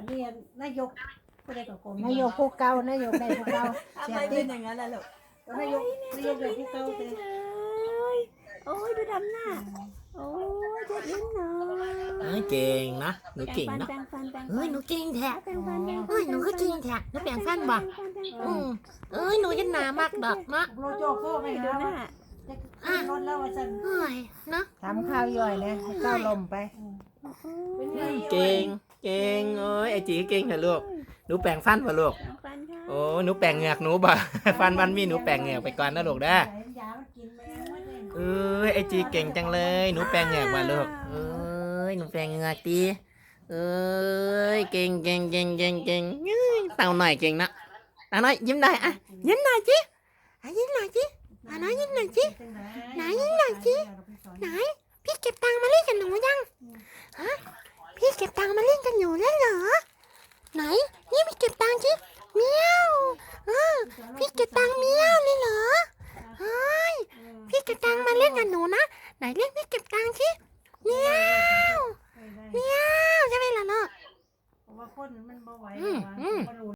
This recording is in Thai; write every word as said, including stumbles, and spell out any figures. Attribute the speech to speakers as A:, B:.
A: นนี้นายกผู้ใดก็โกง
B: นายกผู้เก่านายกได้ผู้เก่า
C: ทำไมเป็นอย่างนั้นล่ะลูก
A: นายกนายกได้ผู้เก่าแต่
C: โอ้ยดูดำหน้าโอ้ยเจ็บลิ้นหน่อย
D: เอ้ยเก่งนะหนูเก่ง
C: แปรง
D: เนาะ
C: ฟันแปรงฟันแปรงฟัน
D: เอ้ยหนูเก่งแท้
C: แปรงฟันแปรงฟัน
D: เอ้ยหนูก็เก่งแท้หนูแปลงฟันบ่อืมเอ้ยหนูยันหนามากดอกเนาะ
A: โลโจโซ่ไป
C: ดู
A: หา
C: หน้า
A: จะขึ้นรถแล้วว่าฉัน
D: เอ้ยเนาะ
B: ทำข้าวย่อยนะให้ข้าวลมไป
A: เป็นไง
D: เก่งเก่งเอ้ยไอจีเก่งเหรอลูกหนูแปลงฟันป่ะลูก
C: แปรงฟันค่ะ
D: โอ้หนูแปลงเหงือกหนูบ่ ฟันมันมีหนูแปลงเหงือกไปก่อนนะลูกนะ
A: ยามันกินแมวมันเอง
D: เอ้ยไอจีเก่งจังเลยหนูแปลงเหงือกมาลูกเอ้ยหนูแปลงเหงือกดีเอ้ยเก่งเก่งเก่งเก่งเก่งเอ้ยเต่าหน่อยเก่งนะเต่าหน่อยยิ้มได้อะยิ้มหน่อยจิอ่ะยิ้มหน่อยจิเต่าหน่อยยิ้มหน่อยจิ ไหนไหนสิ ไหนพี่เก็บตังค์มาเล่นกับหนูยังฮะพี่เก็บตังค์มาเล่นกับหนูแล้วเหรอไหนนี่พี่เก็บตังค์สิเมียวเออพี่เก็บตังค์เมียวเลยเหรอเฮ้ยพี่เก็บตังค์มาเล่นกับหนูนะไหนเล่นพี่เก็บตังค์สิเมียวเมียวใช่ไหมล่ะเนาะ
A: เพราะว่าคนมันบ่ไหว
D: อืมอืม
A: บ่รู้